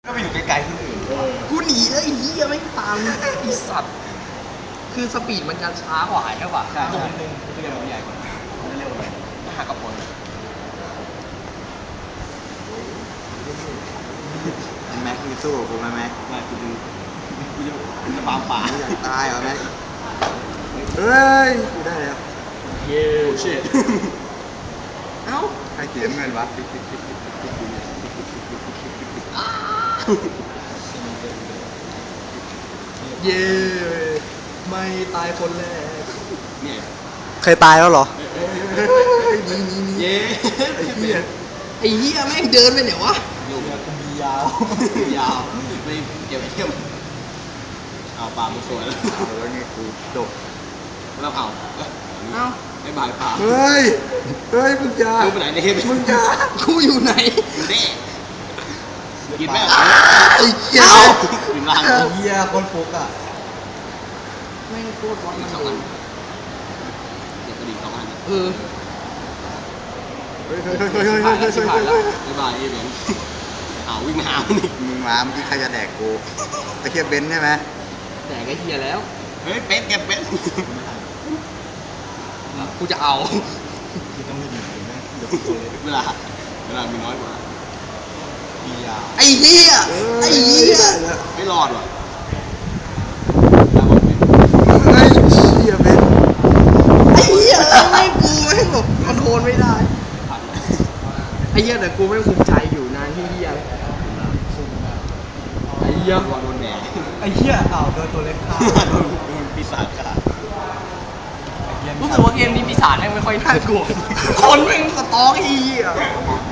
ก็ไปอยู่ไกลๆคนอื่นกูหนีแล้วไอ้เหี้ยไม่ตามไอ้สัตว์คือสปีดมันจะช้ากว่าใช่ป่ะใช่ตัวนึงตัวเดียวมันใหญ่กว่ามันเร็วเลยถ้าหากกับคนแม็กมีสู้กับกูไหมแม็กไม่กูจะปาป่าอยากตายเหรอแม็กเฮ้ยกูได้แล้วเย้โอ้ชิตเอ้าใครเขียนเงินวะเย้ไม่ตายคนแรกเนี่ยเคยตายแล้วเหรอเย้ไอ้เหี้ยแม่งเดินไปไหนวะอยู่กูมียาวยาวไม่เก็บเทียมเอาปลามาสวยแล้วแล้วนี่กูจบแล้วเผาเอ้าไม่บายปลาเฮ้ยมึงจะดูไปไหนเนี่ยมึงกูอยู่ไหนอยู่นี่กินไหมไอ้เหี้ยกินล่างเหี้ยคนฟุกอ่ะแม่งโคตรบอลมันสองเลอันยเดี๋ยวกระดิ่งสองอันเออเฮ้ยไม่บายเบนเอาวิ่งหานี่มึงมาเมื่อกี้ใครจะแดกกูตะเคียบเบนซ์ใช่ไหมแต่ไอ้เหี้ยแล้วเฮ้ยเป็ดเก็บเป็ดกูจะเอาเวลามีน้อยกว่ามียาวไอ้เหี้ยไอ้เหี้ยไม่รอดว่ะเฮ้ยเหี้ยเบนซ์ไอ้เหี้ยแม่งกูแม่งแบบคอนโทรลไม่ได้ไอ้เหี้ยแต่กูแม่งภูมิใจอยู่นะที่เหี้ยไอ้เหี้ยโดนแดดไอ้เหี้ยอ้าวโดนตัวเล็กฆ่าโดนปีศาจกัดรู้สึกว่าเกมนี้ปีศาจแม่งไม่ค่อยน่ากลัวคนแม่งสตอกไอ้เหี้ย